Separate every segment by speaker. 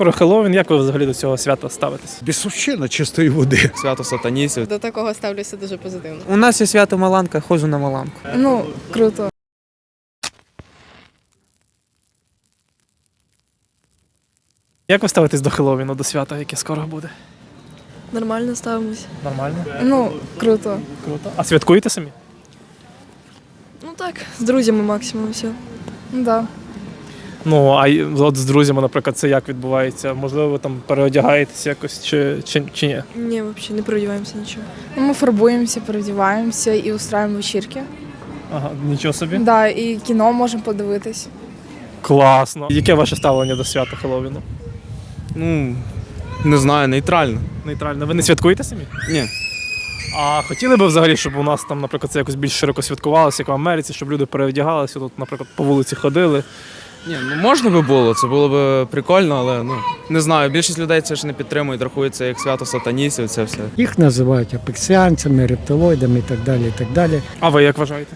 Speaker 1: скоро Хеллоуін, як ви взагалі до цього свята ставитесь?
Speaker 2: Бісовщина чистої води.
Speaker 3: Свято сатаністів.
Speaker 4: До такого ставлюся дуже позитивно.
Speaker 5: У нас є свято Маланка, ходжу на Маланку.
Speaker 6: Ну, круто.
Speaker 1: Як ви ставитесь до Хеллоуіну, до свята, яке скоро буде?
Speaker 6: Нормально ставимось.
Speaker 1: Нормально?
Speaker 6: Ну, круто.
Speaker 1: Круто. А святкуєте самі?
Speaker 6: Ну так, з друзями максимум все. Да.
Speaker 1: Ну, а от з друзями, наприклад, це як відбувається? Можливо, ви там переодягаєтесь якось чи ні?
Speaker 6: Ні, взагалі не переодіваємося нічого.
Speaker 7: Ну, мы фарбуемся, переодеваемся и устраиваем вечірки.
Speaker 1: Ага, нічого собі.
Speaker 7: Да, і кіно можемо подивитись.
Speaker 1: Класно. Яке ваше ставлення до свята Хеллоуіну?
Speaker 3: Ну, не знаю, нейтрально.
Speaker 1: Нейтрально. Ви не святкуєте самі?
Speaker 3: Ні.
Speaker 1: А хотіли би взагалі, щоб у нас там, наприклад, це якось більш широко святкувалося, як в Америці, щоб люди переодягалися, тут, наприклад, по вулиці ходили.
Speaker 3: Ні, ну можна би було, це було б прикольно, але ну не знаю, більшість людей це ж не підтримують, рахується як свято сатаністів, це все.
Speaker 8: Їх називають апексіанцями, рептилоїдами і так далі, і так далі.
Speaker 1: А ви як вважаєте?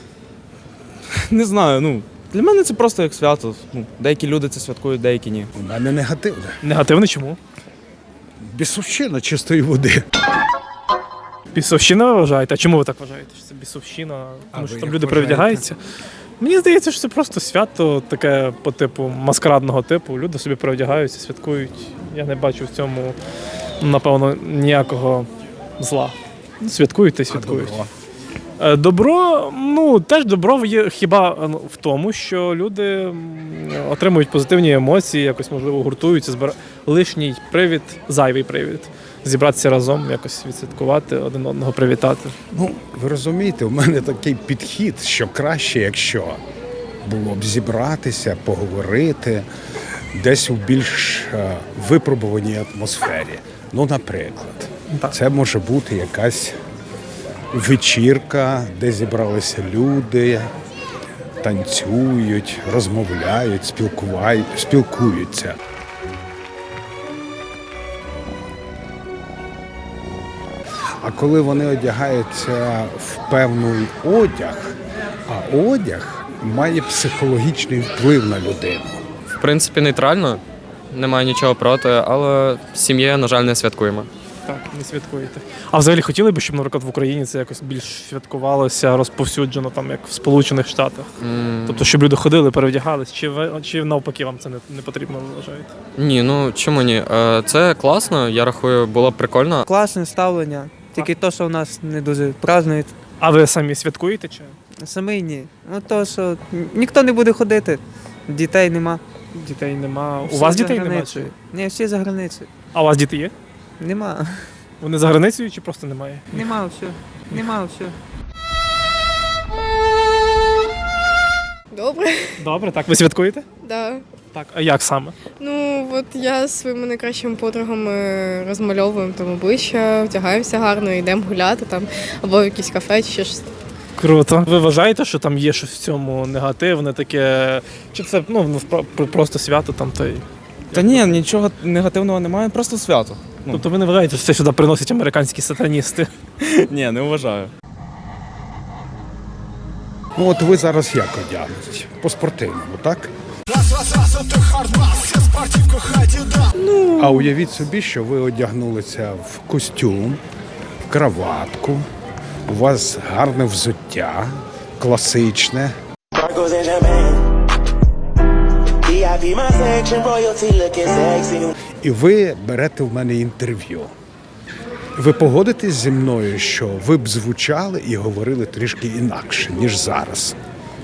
Speaker 3: Не знаю, ну для мене це просто як свято. Ну, деякі люди це святкують, деякі ні.
Speaker 2: У мене негативне.
Speaker 1: Негативно чому?
Speaker 2: Бісовщина чистої води.
Speaker 1: Бісовщина ви вважаєте? А чому ви так вважаєте? Що це бісовщина? Тому
Speaker 2: ви
Speaker 1: що там
Speaker 2: як
Speaker 1: люди
Speaker 2: вважаєте?
Speaker 1: перевдягаються? Мені здається, що це просто свято таке по типу маскарадного типу. Люди собі перевдягаються, святкують. Я не бачу в цьому, напевно, ніякого зла. Святкують та й святкують. Добро, ну теж добро є хіба в тому, що люди отримують позитивні емоції, якось можливо гуртуються, лишній привід, зайвий привід. Зібратися разом, якось відсвяткувати, один одного привітати.
Speaker 2: Ну, ви розумієте, у мене такий підхід, що краще, якщо було б зібратися, поговорити десь у більш випробуваній атмосфері. Ну, наприклад,
Speaker 1: Так.
Speaker 2: це може бути якась вечірка, де зібралися люди, танцюють, розмовляють, спілкуються. А коли вони одягаються в певний одяг, а одяг має психологічний вплив на людину.
Speaker 9: В принципі, нейтрально, немає нічого проти, але з сім'єю, на жаль, не святкуємо.
Speaker 1: Так, не святкуєте. А взагалі хотіли б, щоб, наприклад, в Україні це якось більш святкувалося, розповсюджено, там, як в Сполучених Штатах? Тобто, щоб люди ходили, перевдягались, чи навпаки вам це не потрібно, ви вважаєте?
Speaker 9: Ні, ну чому ні? Це класно, я рахую, було б прикольно.
Speaker 5: Класне ставлення, тільки то, що в нас не дуже празднують.
Speaker 1: А ви самі святкуєте чи?
Speaker 5: Самі ні. Ну то, що ніхто не буде ходити, дітей нема.
Speaker 1: Дітей нема. У
Speaker 5: Всі
Speaker 1: вас
Speaker 5: за
Speaker 1: дітей немає?
Speaker 5: границею. Ні, всі за границею.
Speaker 1: А у вас діти є?
Speaker 5: Нема.
Speaker 1: Вони за границею чи просто немає?
Speaker 5: Нема все. Нема все.
Speaker 4: Добре,
Speaker 1: Добре, так. Ви святкуєте?
Speaker 4: да.
Speaker 1: Так. А як саме?
Speaker 4: Ну, от я з своїми найкращими подругами розмальовуємо там обличчя, вдягаємося гарно, йдемо гуляти там, або в якісь кафе, чи ще щось.
Speaker 1: Круто. Ви вважаєте, що там є щось в цьому негативне таке? Чи це просто свято там та й.
Speaker 3: Та ні, нічого негативного немає, просто свято. Ну.
Speaker 1: Тобто ви не вважаєте, що це сюди приносять американські сатаністи?
Speaker 3: Ні, не вважаю.
Speaker 2: Ну от ви зараз як одягнуть? По-спортивному, так? А уявіть собі, що ви одягнулися в костюм, в краватку, у вас гарне взуття, класичне. І ви берете в мене інтерв'ю. Ви погодитесь зі мною, що ви б звучали і говорили трішки інакше, ніж зараз?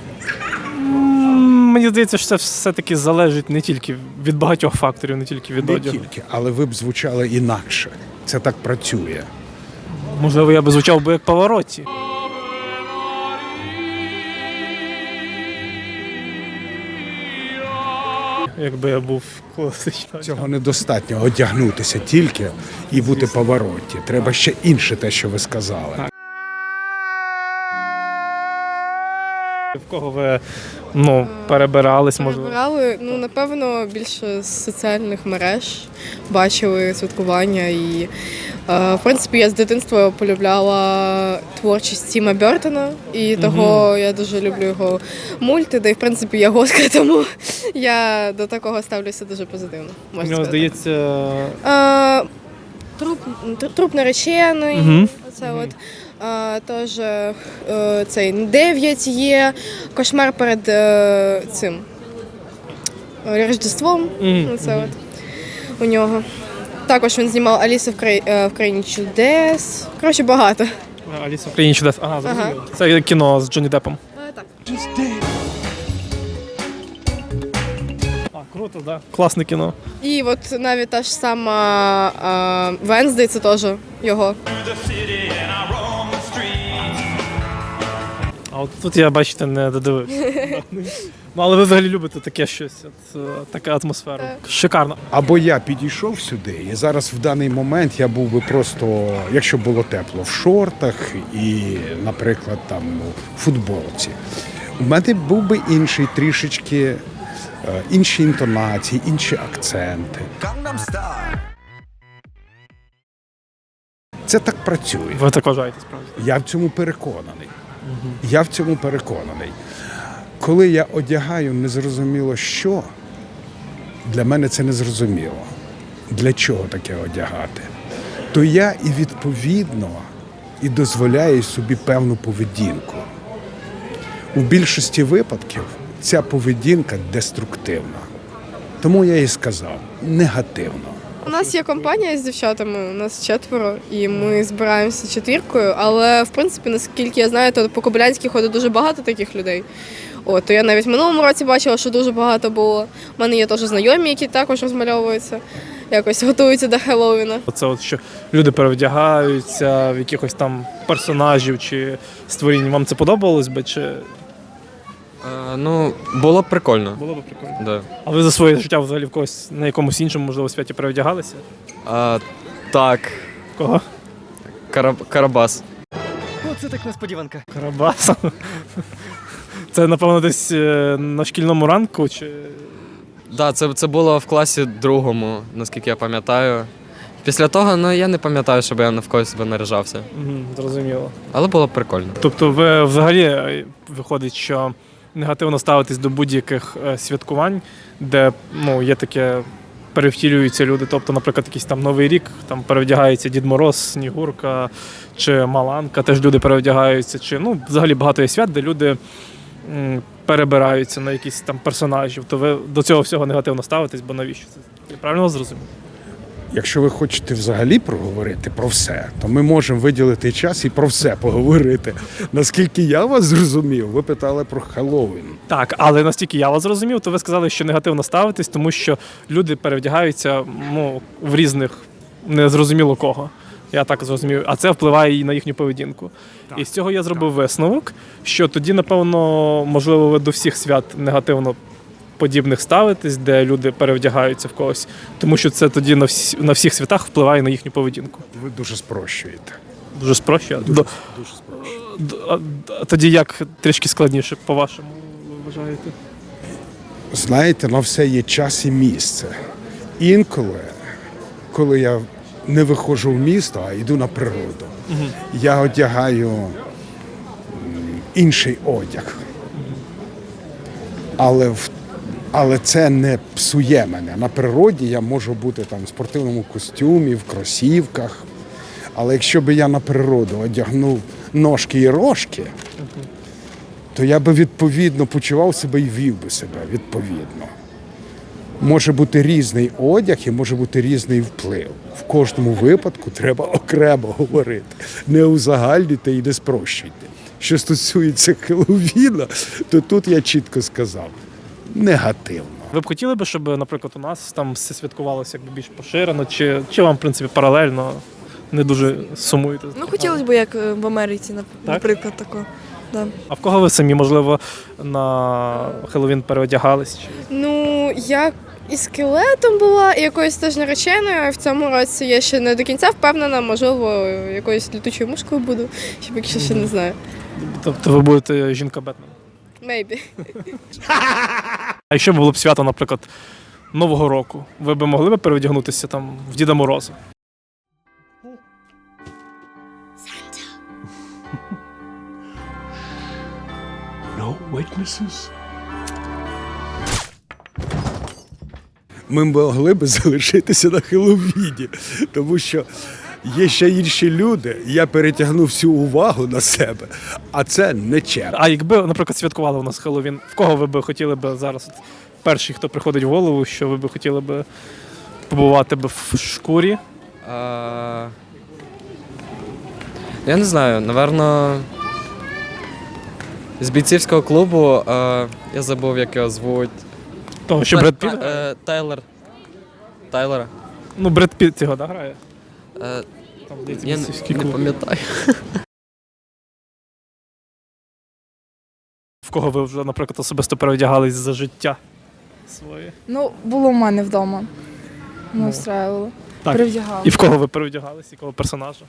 Speaker 1: Мені здається, що це все-таки залежить не тільки від багатьох факторів, не тільки від
Speaker 2: Не
Speaker 1: одягу.
Speaker 2: тільки, але ви б звучали інакше. Це так працює.
Speaker 1: Можливо, я би звучав би як Паваротті. Якби я був класично.
Speaker 2: Цього недостатньо одягнутися тільки і бути Паваротті. Треба ще інше те, що ви сказали.
Speaker 1: В кого ви перебирались, можливо?
Speaker 4: Перебирали, напевно, більше з соціальних мереж бачили святкування і В принципі, я з дитинства полюбляла творчість Тіма Бертона, і того я дуже люблю його мульти, де, в принципі, я готка, тому я до такого ставлюся дуже позитивно.
Speaker 1: У
Speaker 4: Можна
Speaker 1: нього,
Speaker 4: сказати.
Speaker 1: здається,
Speaker 4: Труп наречений,
Speaker 1: Мгм.
Speaker 4: це от. Тож цей 9 є, кошмар перед цим Рождеством. Це от у нього. Також він знімав Аліса в країні чудес. Коротше, багато.
Speaker 1: Аліса в країні чудес. Ага, зрозуміло.
Speaker 4: Ага.
Speaker 1: Це кіно з Джонні Деппом.
Speaker 4: Так.
Speaker 1: А, круто, так. Да. Класне кіно.
Speaker 4: І от навіть та ж сама Венздей, це теж його.
Speaker 1: А от тут я, бачите, не додивився. Ну, але ви взагалі любите таке щось, таку атмосферу. Шикарно.
Speaker 2: Або я підійшов сюди, і зараз в даний момент я був би просто, якщо було тепло, в шортах і, наприклад, там в футболці. У мене був би інший трішечки, інші інтонації, інші акценти. Це так працює.
Speaker 1: Ви так вважаєте, справді?
Speaker 2: Я в цьому переконаний. Я в цьому переконаний. Коли я одягаю незрозуміло що, для мене це незрозуміло. Для чого таке одягати? То я і відповідно і дозволяю собі певну поведінку. У більшості випадків ця поведінка деструктивна. Тому я і сказав, негативно.
Speaker 4: У нас є компанія з дівчатами, у нас 4, і ми збираємося четвіркою, але в принципі, наскільки я знаю, то по Кобилянській ходить дуже багато таких людей. От, то я навіть в минулому році бачила, що дуже багато було. У мене є теж знайомі, які також розмальовуються, якось готуються до Хеллоуіна.
Speaker 1: Оце от, що люди перевдягаються в якихось там персонажів чи створінь. Вам це подобалось би? Чи
Speaker 9: Ну, було б прикольно.
Speaker 1: було б прикольно?
Speaker 9: Да.
Speaker 1: А ви за своє життя взагалі в когось на якомусь іншому, можливо, святі перевдягалися?
Speaker 9: Так,
Speaker 1: В кого?
Speaker 9: Карабас.
Speaker 10: Оце так несподіванка.
Speaker 1: Карабаса. Це, напевно, десь на шкільному ранку чи.
Speaker 9: Да, це було в класі 2, наскільки я пам'ятаю. Після того, ну я не пам'ятаю, щоб я навколо себе наряжався.
Speaker 1: Зрозуміло.
Speaker 9: Але було б прикольно.
Speaker 1: Тобто ви взагалі виходить, що негативно ставитесь до будь-яких святкувань, де є таке, перевтілюються люди. Тобто, наприклад, якийсь там Новий рік, там перевдягається Дід Мороз, Снігурка чи Маланка, теж люди перевдягаються. Чи взагалі багато є свят, де люди перебираються на якісь там персонажів. То ви до цього всього негативно ставитесь, бо навіщо це? Я правильно вас зрозумів?
Speaker 2: Якщо ви хочете взагалі проговорити про все, то ми можемо виділити час і про все поговорити. Наскільки я вас зрозумів, ви питали про Хеллоуін.
Speaker 1: Так, але настільки я вас зрозумів, то ви сказали, що негативно ставитесь, тому що люди перевдягаються в різних незрозуміло кого. Я так зрозумів. А це впливає і на їхню поведінку. Так, і з цього я зробив висновок, що тоді, напевно, можливо, ви до всіх свят негативно подібних ставитесь, де люди перевдягаються в когось, тому що це тоді на всіх святах впливає на їхню поведінку.
Speaker 2: Ви дуже спрощуєте.
Speaker 1: Дуже спрощує?
Speaker 2: Дуже спрощуєте.
Speaker 1: Тоді як трішки складніше, по-вашому, ви вважаєте?
Speaker 2: Знаєте, на все є час і місце. Інколи, коли я не виходжу в місто, а йду на природу, я одягаю інший одяг. Але це не псує мене. На природі я можу бути там в спортивному костюмі, в кросівках. Але якщо б я на природу одягнув ножки і рожки, то я би відповідно почував себе і вів би себе відповідно. Може бути різний одяг і може бути різний вплив. В кожному випадку треба окремо говорити. Не узагальнюйте і не спрощуйте. Що стосується Хеллоуіна, то тут я чітко сказав. Негативно.
Speaker 1: Ви б хотіли б, щоб, наприклад, у нас там все святкувалося якби більш поширено, чи вам, в принципі, паралельно не дуже сумуєте?
Speaker 6: Ну, хотілося б, як в Америці, наприклад, такого. Да.
Speaker 1: А в кого ви самі, можливо, на Хеллоуін переодягались?
Speaker 4: Ну, я і скелетом була, і якоюсь теж нареченою. В цьому році я ще не до кінця впевнена, можливо, якоюсь літучою мушкою буду, щоб якщо ще не знаю.
Speaker 1: Тобто ви будете жінка Бетмен?
Speaker 4: Maybe.
Speaker 1: А якщо було б свято, наприклад, Нового року, ви б могли б переодягнутися там в Діда Мороза?
Speaker 2: Ми могли б залишитися на Хеллоуіні, тому що є ще інші люди, я перетягну всю увагу на себе, а це не чесно.
Speaker 1: А якби, наприклад, святкували у нас Хеллоуін, в кого ви б хотіли б зараз, от, перший, хто приходить в голову, що ви б хотіли б побувати б в шкурі?
Speaker 9: Я не знаю, напевно, з бійцівського клубу, я забув, як його звуть.
Speaker 1: Того, що Бред Піт?
Speaker 9: Тайлера.
Speaker 1: Ну, Бред Піт його, да, грає? Там, здається,
Speaker 9: Я
Speaker 1: бійцівський
Speaker 9: не
Speaker 1: клуб.
Speaker 9: пам'ятаю.
Speaker 1: В кого ви вже, наприклад, особисто переодягались за життя своє?
Speaker 7: Ну, було в мене вдома. Ми
Speaker 1: Ну.
Speaker 7: устраювали.
Speaker 1: Так.
Speaker 7: Перевдягали.
Speaker 1: І в кого ви переодягались, якого персонажа?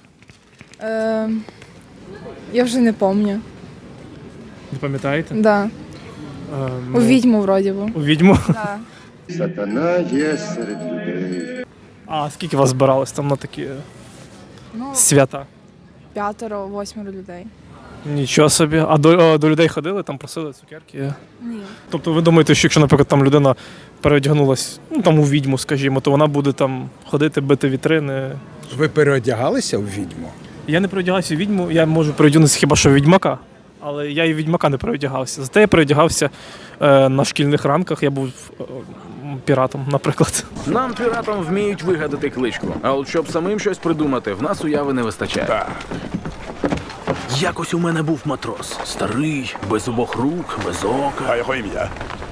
Speaker 7: Я вже не пам'ятаю.
Speaker 1: Не пам'ятаєте?
Speaker 7: Да. У відьму, вроді би.
Speaker 1: У відьму?
Speaker 7: Да.
Speaker 11: Сатана є серед людей.
Speaker 1: А скільки вас збиралось там на такі
Speaker 7: Ну,
Speaker 1: свята?
Speaker 7: 5-8 людей.
Speaker 1: Нічого собі. А до людей ходили, там просили цукерки?
Speaker 7: Ні.
Speaker 1: Тобто ви думаєте, що якщо, наприклад, там людина переодягнулась, ну там у відьму, скажімо, то вона буде там ходити, бити вітрини?
Speaker 2: Ви переодягалися у відьму?
Speaker 1: Я не переодягався у відьму, я можу переодягнутися хіба що в відьмака. Але я і в відьмака не переодягався. Зате я переодягався на шкільних ранках, я був піратом, наприклад.
Speaker 12: Нам, піратам, вміють вигадати кличку. А от щоб самим щось придумати, в нас уяви не вистачає. Якось у мене був матрос. Старий, без обох рук, без ока. А його ім'я?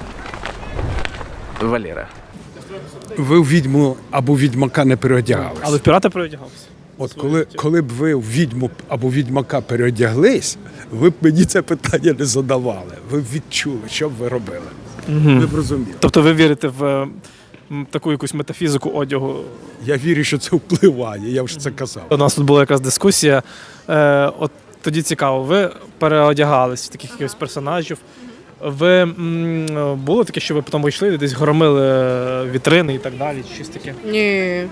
Speaker 12: Валера.
Speaker 2: Ви в відьму або відьмака не переодягалися.
Speaker 1: Але в пірата переодягався.
Speaker 2: От коли б ви в відьму або відьмака переодяглись, ви б мені це питання не задавали. Ви б відчули, що б ви робили. Ви б розуміли.
Speaker 1: Тобто ви вірите в таку якусь метафізику одягу?
Speaker 2: Я вірю, що це впливає, я вже це казав.
Speaker 1: У нас тут була якась дискусія. От тоді цікаво, ви переодягались в таких якихось персонажів. Ви було таке, що ви потім вийшли і десь громили вітрини і так далі, чи щось таке?
Speaker 4: Ні.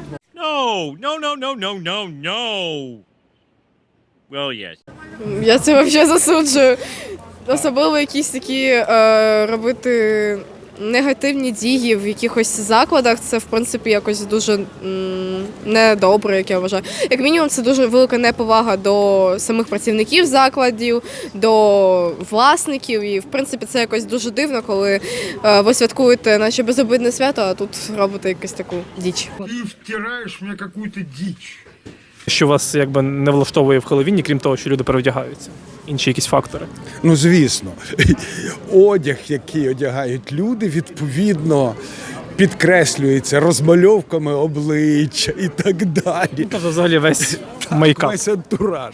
Speaker 4: Я це взагалі засуджую. Особливо якісь такі робити негативні дії в якихось закладах, це в принципі якось дуже недобре, як я вважаю. Як мінімум, це дуже велика неповага до самих працівників закладів, до власників. І в принципі це якось дуже дивно, коли ви святкуєте наче безобидне свято, а тут робите якусь таку діч.
Speaker 11: Ти втираєш мені якусь діч.
Speaker 1: Що вас якби не влаштовує в Хеллоуіні, крім того, що люди переодягаються? Інші якісь фактори?
Speaker 2: Ну, звісно, одяг, який одягають люди, відповідно підкреслюється розмальовками обличчя і так далі.
Speaker 1: Тобто взагалі весь мейкап.
Speaker 2: Весь антураж.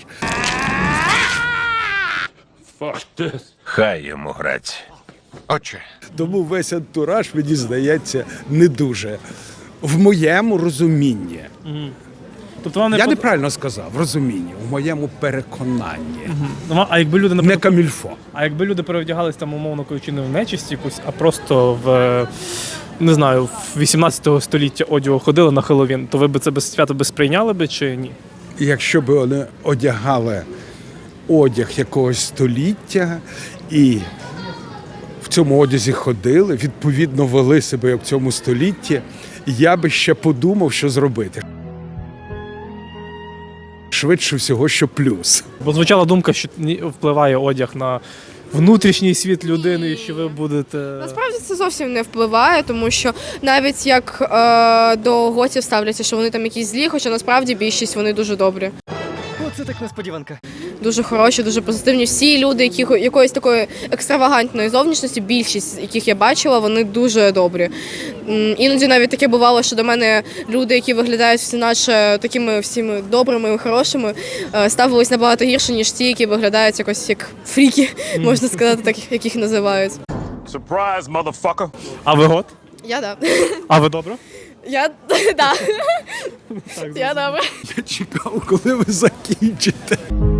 Speaker 11: Хай йому грать. Отче.
Speaker 2: Тому весь антураж, мені здається, не дуже. В моєму розумінні.
Speaker 1: Тобто вам не
Speaker 2: Я неправильно сказав, в розумінні, в моєму переконанні.
Speaker 1: А якби люди,
Speaker 2: Не
Speaker 1: наприклад,
Speaker 2: камільфо.
Speaker 1: а якби люди переодягались там, умовно кажучи, не в нечисть якусь, а просто в, не знаю, в 18 століття одягу ходили на Хеллоуін, то ви б це без свято би сприйняли би чи ні?
Speaker 2: Якщо б вони одягали одяг якогось століття і в цьому одязі ходили, відповідно вели себе як в цьому столітті, я би ще подумав, що зробити. Швидше всього, що плюс.
Speaker 1: Бо звучала думка, що впливає одяг на внутрішній світ людини, і що ви будете...
Speaker 4: Насправді це зовсім не впливає, тому що навіть як до готів ставляться, що вони там якісь злі, хоча насправді більшість вони дуже добрі.
Speaker 10: Оце так несподіванка.
Speaker 4: Дуже хороші, дуже позитивні. Всі люди, які якоїсь такої екстравагантної зовнішності, більшість яких я бачила, вони дуже добрі. Іноді навіть таке бувало, що до мене люди, які виглядають всі наче такими всіми добрими і хорошими, ставились набагато гірше, ніж ті, які виглядають якось як фріки, можна сказати, так яких називають.
Speaker 11: Surprise, motherfucker.
Speaker 1: А ви гот?
Speaker 4: Я да.
Speaker 1: А ви добре?
Speaker 4: Я да. Я добре.
Speaker 2: Я чекав, коли ви закінчите.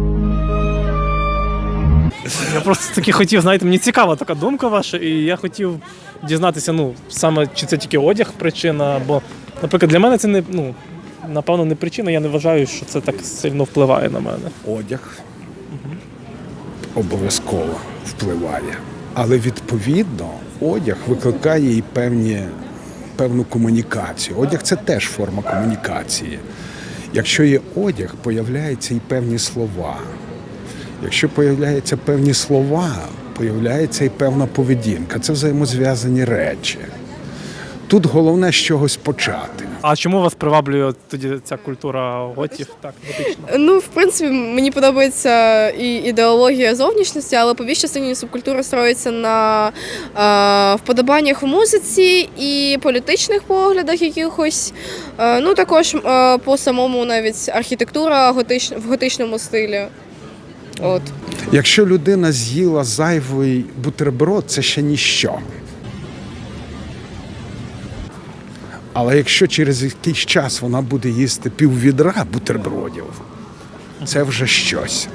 Speaker 1: Я просто таки хотів, знаєте, мені цікава така думка ваша, і я хотів дізнатися, ну, саме чи це тільки одяг причина, бо, наприклад, для мене це не, ну, напевно, не причина, я не вважаю, що це так сильно впливає на мене.
Speaker 2: Одяг обов'язково впливає. Але відповідно одяг викликає і певну комунікацію. Одяг це теж форма комунікації. Якщо є одяг, появляються і певні слова. Якщо появляються певні слова, появляється і певна поведінка. Це взаємозв'язані речі. Тут головне з чогось почати.
Speaker 1: А чому вас приваблює тоді ця культура готів? Так, готична.
Speaker 4: Ну, в принципі, мені подобається і ідеологія зовнішності, але по більшій частині субкультура строїться на вподобаннях у музиці і політичних поглядах якихось. Ну, також по самому навіть архітектура в готичному стилі. От.
Speaker 2: Якщо людина з'їла зайвий бутерброд, це ще ніщо. Але якщо через якийсь час вона буде їсти піввідра бутербродів, це вже щось.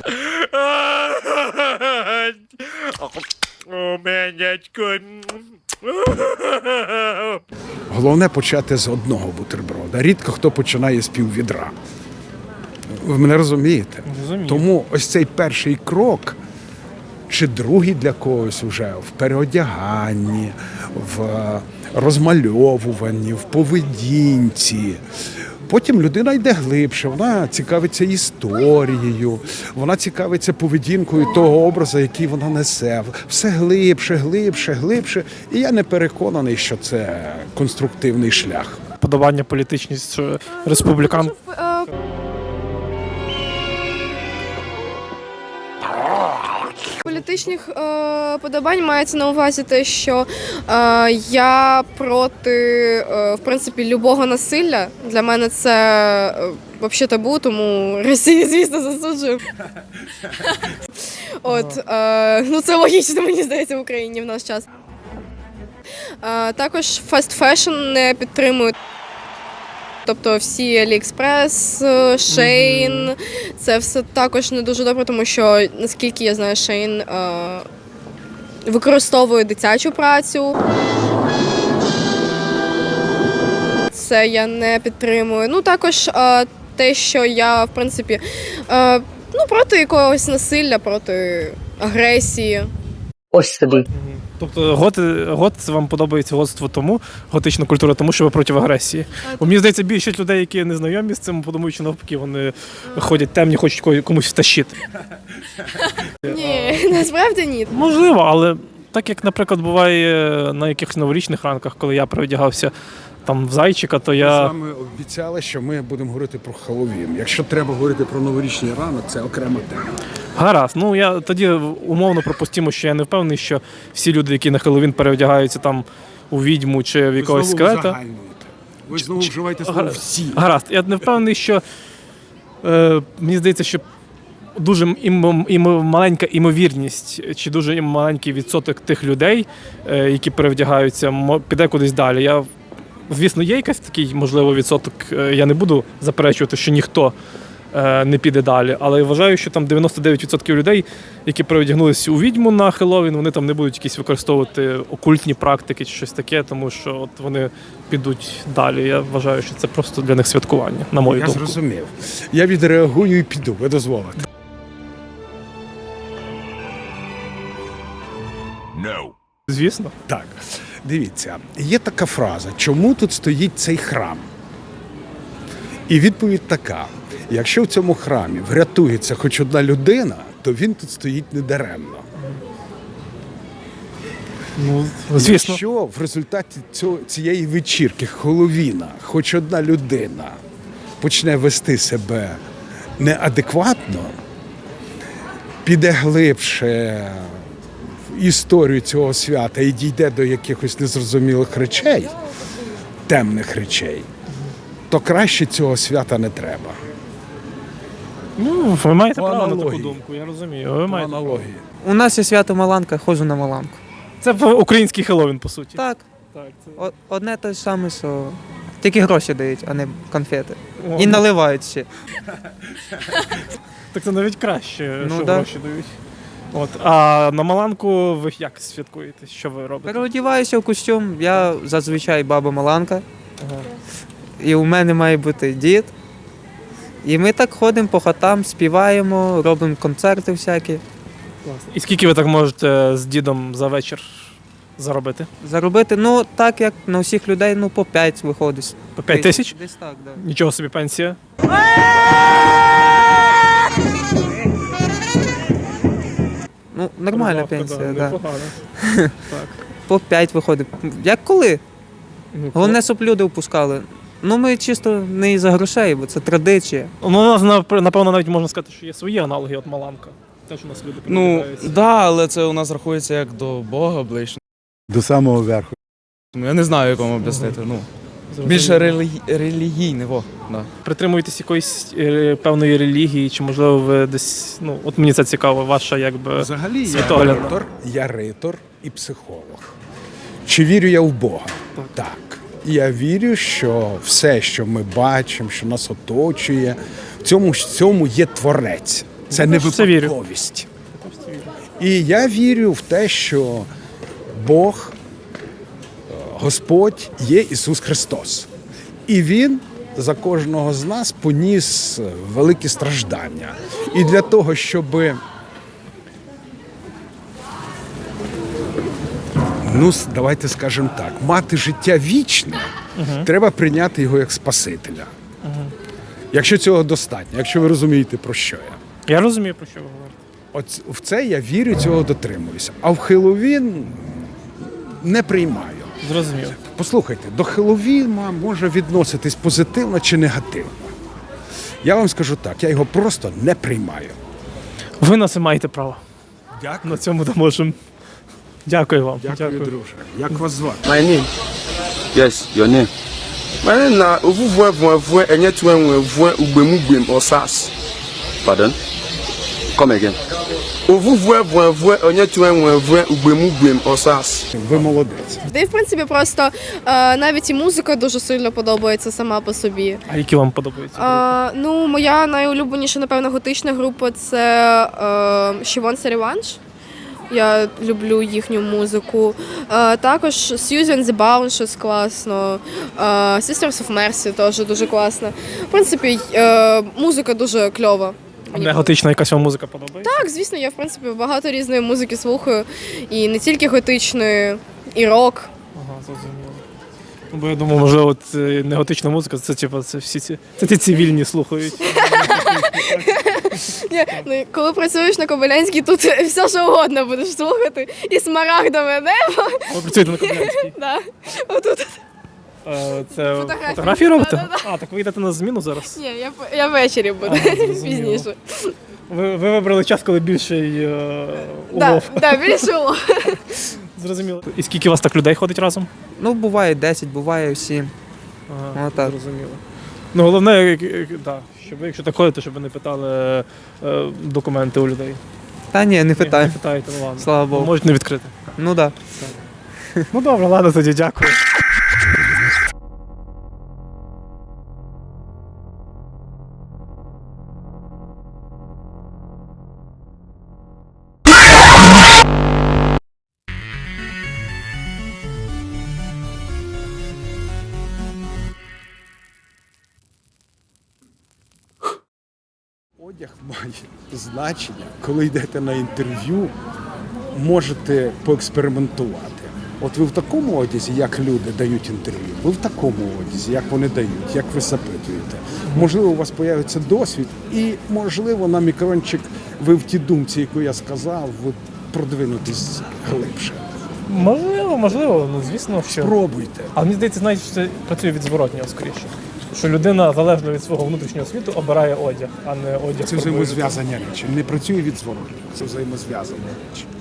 Speaker 2: Головне почати з одного бутерброда. Рідко хто починає з піввідра. Ви мене розумієте?
Speaker 1: Розумію.
Speaker 2: Тому ось цей перший крок, чи другий для когось вже в переодяганні, в розмальовуванні, в поведінці. Потім людина йде глибше, вона цікавиться історією, вона цікавиться поведінкою того образу, який вона несе. Все глибше, глибше, глибше. І я не переконаний, що це конструктивний шлях.
Speaker 1: Подобання політичність республікан.
Speaker 4: Політичних подобань мається на увазі те, що я проти, в принципі, любого насилля. Для мене це взагалі табу, тому Росію, звісно, засуджую. От, ну це логічно, мені здається, в Україні в наш час. Також фаст фешн не підтримують. Тобто всі AliExpress, Shein, це все також не дуже добре, тому що, наскільки я знаю, Shein використовує дитячу працю. Це я не підтримую. Ну, також те, що я, в принципі, ну, проти якогось насилля, проти агресії.
Speaker 10: Ось тобі.
Speaker 1: Тобто гот вам подобається готство тому, готична культура, тому що ви проти агресії. Бо мені здається, більшість людей, які не знайомі з цим, подумають, що навпаки, вони ходять темні, хочуть комусь втащити.
Speaker 4: Ні, насправді ні.
Speaker 1: Можливо, але так як, наприклад, буває на якихось новорічних ранках, коли я переодягався там в зайчика, то
Speaker 2: Ми з
Speaker 1: я...
Speaker 2: вами обіцяли, що ми будемо говорити про Хеллоуін. Якщо треба говорити про новорічний ранок, це окрема тема.
Speaker 1: Гаразд. Ну, я тоді умовно пропустимо, що я не впевнений, що всі люди, які на Хеллоуін переодягаються там у відьму чи в якогось скелета...
Speaker 2: Ви знову вживаєте слово «всі».
Speaker 1: Гаразд. Я не впевнений, що мені здається, що дуже маленька імовірність, чи дуже маленький відсоток тих людей, які перевдягаються, піде кудись далі. Звісно, є якийсь такий, можливо, відсоток, я не буду заперечувати, що ніхто не піде далі, але я вважаю, що там 99% людей, які переодягнулися у відьму на Хеллоуін, вони там не будуть якісь використовувати окультні практики чи щось таке, тому що от вони підуть далі. Я вважаю, що це просто для них святкування, на мою думку.
Speaker 2: Я зрозумів. Я відреагую і піду, ви дозволите.
Speaker 11: No.
Speaker 1: Звісно.
Speaker 2: Так, дивіться, є така фраза «Чому тут стоїть цей храм?» І відповідь така: якщо в цьому храмі врятується хоч одна людина, то він тут стоїть недаремно.
Speaker 1: Ну, звісно.
Speaker 2: Якщо в результаті цієї вечірки Хеллоуіна хоч одна людина почне вести себе неадекватно, піде глибше в історію цього свята і дійде до якихось незрозумілих речей, темних речей, то краще цього свята не треба.
Speaker 1: Ну, ви маєте
Speaker 2: По
Speaker 1: право на таку
Speaker 2: аналогії.
Speaker 1: думку, я розумію. Ви
Speaker 2: По
Speaker 1: маєте.
Speaker 2: аналогії.
Speaker 5: У нас є свято Маланка, ходжу на Маланку.
Speaker 1: Це український Хеллоуін, по суті.
Speaker 5: Так,
Speaker 1: Так, це...
Speaker 5: одне те ж саме, що тільки гроші дають, а не конфети.
Speaker 1: О,
Speaker 5: І
Speaker 1: ну,
Speaker 5: наливають ще.
Speaker 1: Так це навіть краще,
Speaker 5: Ну,
Speaker 1: що
Speaker 5: да.
Speaker 1: гроші дають. От. А на Маланку ви як святкуєте? Що ви робите?
Speaker 5: Переодіваюся в костюм, я зазвичай баба Маланка.
Speaker 1: Ага.
Speaker 5: І у мене має бути дід. І ми так ходимо по хатам, співаємо, робимо концерти всякі.
Speaker 1: І скільки ви так можете з дідом за вечір заробити?
Speaker 5: Заробити, ну так як на всіх людей, ну по 5 виходить.
Speaker 1: По 5 тисяч?
Speaker 5: Десь так, да.
Speaker 1: Нічого собі пенсія.
Speaker 5: Ну, нормальна
Speaker 1: Прибавка,
Speaker 5: пенсія, да.
Speaker 1: непогано. Так.
Speaker 5: По 5 виходить. Як коли?
Speaker 1: Ну,
Speaker 5: Головне, щоб люди впускали. Ну, ми чисто не із-за грошей, бо це традиція.
Speaker 1: Ну, у нас, напевно, навіть можна сказати, що є свої аналоги, от Маланка. Теж у нас люди
Speaker 3: Ну,
Speaker 1: передивляються.
Speaker 3: да, але це у нас рахується як до Бога ближче.
Speaker 2: До самого верху.
Speaker 3: Ну, я не знаю, як вам об'яснити. Ну, більше релігійне, во. Да.
Speaker 1: Притримуєтесь якоїсь певної релігії, чи можливо ви десь, ну, от мені це цікаво, ваша якби
Speaker 2: Взагалі
Speaker 1: світоглядна.
Speaker 2: я ритор і психолог. Чи вірю я в Бога? Так. Я вірю, що все, що ми бачимо, що нас оточує, в цьому є творець. Це не
Speaker 1: в це вірю.
Speaker 2: випадковість. І я вірю в те, що Бог, Господь є Ісус Христос. І Він за кожного з нас поніс великі страждання. І для того, щоб давайте скажемо так, мати життя вічне, треба прийняти його як Спасителя. Якщо цього достатньо, якщо ви розумієте, про що я.
Speaker 1: Я розумію, про що ви говорите.
Speaker 2: От в це я вірю, цього дотримуюся. А в Хеллоуін не приймаю.
Speaker 1: Зрозуміло.
Speaker 2: Послухайте, до Хеллоуіна може відноситись позитивно чи негативно. Я вам скажу так, я його просто не приймаю.
Speaker 1: Ви на це маєте право.
Speaker 2: Дякую.
Speaker 1: На цьому допоможемо. Дякую вам.
Speaker 2: Дякую, друже. Як вас звати?
Speaker 11: My name? Yes, your name. My name na Ovuvue Enye Tuenwe Ugbemugem or SARS. Pardon? Come again. Ovuvue Enye Tuenwe Ugbemugem or SARS.
Speaker 2: Ви молодець.
Speaker 4: Та й, в принципі, просто навіть і музика дуже сильно подобається сама по собі.
Speaker 1: А які вам подобаються?
Speaker 4: Ну, моя найулюбленіша, напевно, готична група це She Wants a Revenge. Я люблю їхню музику. Також Suzy and the Bound, щось класно. Sisters of Mercy теж дуже класно. В принципі, музика дуже кльова.
Speaker 1: Не готична якась вам музика подобається?
Speaker 4: Так, звісно, я в принципі багато різної музики слухаю. І не тільки готичної, і рок.
Speaker 1: Ага, зрозуміло. Ну, бо я думав, можливо, от не готична музика, це типу, це всі ці цивільні слухають.
Speaker 4: Ні, ну, коли працюєш на Кобилянській, тут все що угодно будеш слухати. І смарагдове небо.
Speaker 1: Ви працюєте на Кобилянській?
Speaker 4: Да. Отут.
Speaker 1: Це
Speaker 4: Фотографії.
Speaker 1: фотографії робите?
Speaker 4: Да-да-да.
Speaker 1: А, так ви йдете на зміну зараз?
Speaker 4: Ні, я ввечері буду,
Speaker 1: зрозуміло.
Speaker 4: пізніше.
Speaker 1: Ви вибрали час, коли більший улов.
Speaker 4: Так, більше улов.
Speaker 1: Зрозуміло. І скільки у вас так людей ходить разом?
Speaker 5: Ну, буває 10, буває 7.
Speaker 1: Ага,
Speaker 5: Отак.
Speaker 1: зрозуміло. Ну, головне, щоб ви, якщо так ходите, щоб ви не питали документи у людей.
Speaker 5: Та ні, не
Speaker 1: Не
Speaker 5: питаю.
Speaker 1: питаєте, ну ладно.
Speaker 5: Слава Богу.
Speaker 1: Можуть не відкрити.
Speaker 5: Ну так. Да.
Speaker 1: Ну добре, ладно, тоді дякую.
Speaker 2: Одяг має значення. Коли йдете на інтерв'ю, можете поекспериментувати. От ви в такому одязі, як люди дають інтерв'ю, ви в такому одязі, як вони дають, як ви запитуєте. Можливо, у вас з'явиться досвід і, можливо, на мікрончик ви в тій думці, яку я сказав, ви продвинутесь глибше.
Speaker 1: Можливо, ну звісно, що.
Speaker 2: Спробуйте.
Speaker 1: Але мені здається, знаєте, що це працює від зворотнього скоріше. Що людина, залежно від свого внутрішнього світу, обирає одяг, а не одяг.
Speaker 2: Це взаємозв'язані речі. Не працює від зворотнього. Це взаємозв'язані речі.